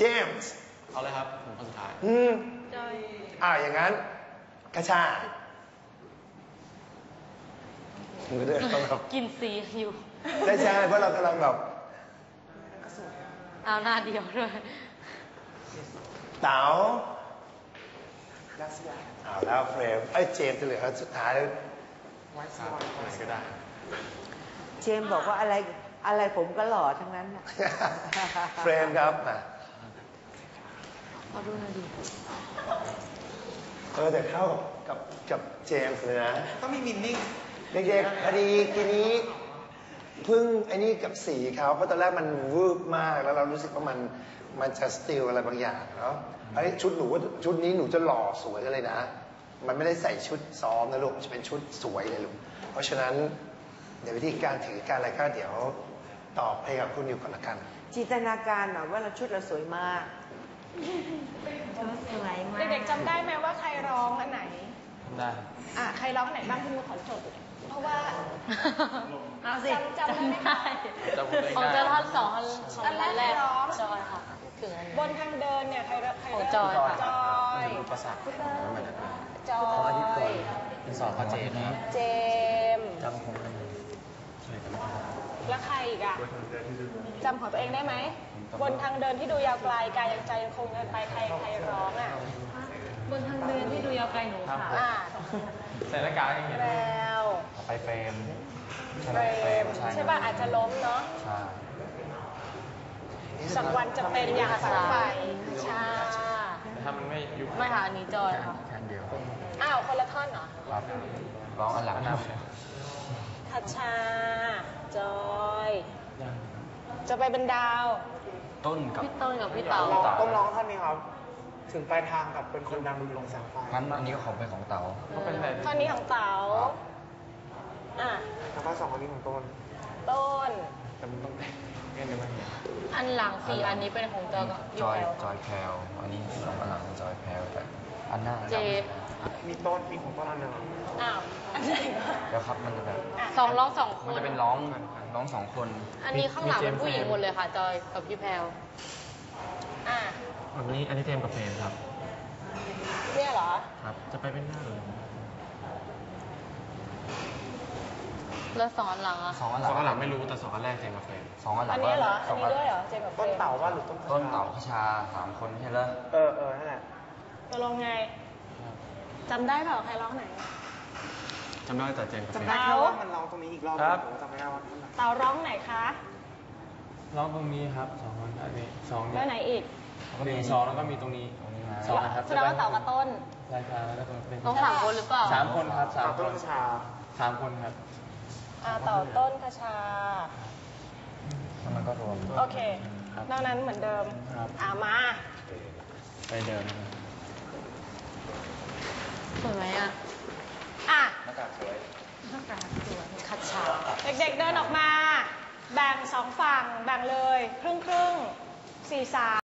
เจมส์เอาเลยครับผมคนสุดท้ายจอยอย่างนั้นกระชามือเดินต้องแบบกินสีอยู่ใช่เพราะเรากำลังแบบเอาหน้าเดียวด้วยเต๋าเอาแล้วเฟรมเจมส์จะเหลือสุดท้ายไว้ซ้อนไหนก็ได้เจมส์บอกว่าอะไรผมก็หล่อทั้งนั้นนะเฟรมครับเอาดูหน่อยดิแต่เข้ากับเจมส์เลยนะต้องมีมินนิ่งเด็กๆพอดีทีนี้พึ่งไอ้นี่กับสีเขาเพราะตอนแรกมันวืบมากแล้วเรารู้สึกว่ามันจะสติลอะไรบางอย่างเนาะไอ้ชุดหนูว่าชุดนี้หนูจะหล่อสวยกันเลยนะมันไม่ได้ใส่ชุดซ้อมนะลูกจะเป็นชุดสวยเลยลูกเพราะฉะนั้นเดี๋ยววิธีการถือการอะไรก็เดี๋ยวตอบให้กับคุณอยู่ก่อนละกันจินตนาการหน่อยว่าเราชุดเราสวยมากสวยมากเด็กๆจำได้ไหมว่าใครร้องอันไหนได้ใครร้องอันไหนบ้างคุณขอจดเพราะว่าเอาสิจำได้ไหมคะของเจอท่อนสองอันแรกร้องจอยค่ะถึงบนทางเดินเนี่ยใครของจอยค่ะจอยอุปสรรคจอยเป็นสอบเจมส์เจมจำของแล้วใครอีกอ่ะจำของตัวเองได้ไหมบนทางเดินที่ดูยาวไกลกายยังใจยังคงเดินไปใครร้องบนทางเดินที่ดูยาวไกลหนูค่ะใส่หน้ากากอย่างเงี้ยแล้วไปเฟรมใช่ป่ะอาจจะล้มเนาะสักวันจะเป็นอย่างฝันใฝ่ชาถ้ามันไม่ยุบไม่ค่ะอันนี้จอยค่ะแค่เดียวคนละท่อนเหรอครับร้องอันหลังนะทัชชาจอยจะไปเป็นดาวต้นกับพี่พี่เต๋าต้องร้องท่อนนี้ครับถึงปลายทางกับเป็นคนดังลงแสงไฟงั้นอันนี้ก็ของเป็นของเต๋าท่อนนี้ของเต๋าแล้วก็สองอันนี้ของต้นแต่มันต้องเงี้ยไม่เห็นอันหลัง4อันนี้เป็นของจอยกับจอยแพลวอันนี้สองอันหลังจอยแพลวแต่อันหน้าเจมีต้นมีของต้นอันหนึ่งอันไหนแล้วครับมันจะแบบร้อง2คนมันจะเป็นร้อง2คนอันนี้ข้างหลังเป็นผู้หญิงหมดเลยค่ะจอยกับพี่แพลวอันนี้เจมกับเฟรมครับเนี่ยเหรอครับจะไปเป็นหน้าเลยแล้ว2อันหลังสองอันหลังไม่รู้แต่2อันแรกเจมกับเฟรม2อันหลังอันนี้เหรออันนี้ด้วยเหรอเจมกับเฟรมต้นเต่าว่าหรือต้นเต่าขชา3คนใช่ไหมนั่นแหละจะลงไงจำได้เปล่าใครร้องไหนจำได้แต่เจมกับเฟรมจำได้แค่ว่ามันร้องตรงนี้อีกรอบจำไม่ได้ว่าเต่าร้องไหนคะร้องตรงนี้ครับ2คนอันนี้2 แล้วไหนอีก 1 2แล้วก็มีตรงนี้2นะครับแสดงว่าเต่ากับต้นรายการแล้วก็เป็นต้อง3คนหรือเปล่า 3คนครับ3คน3คนครับเต่าต้นคชาแล้วมันก็รวมโอเคนอกนั้นเหมือนเดิมมาไปเดิมสวยไหมหน้ากากสวยคัดฉาเด็กๆเดินออกมาแบ่ง2ฝั่งแบ่งเลยครึ่ง4-3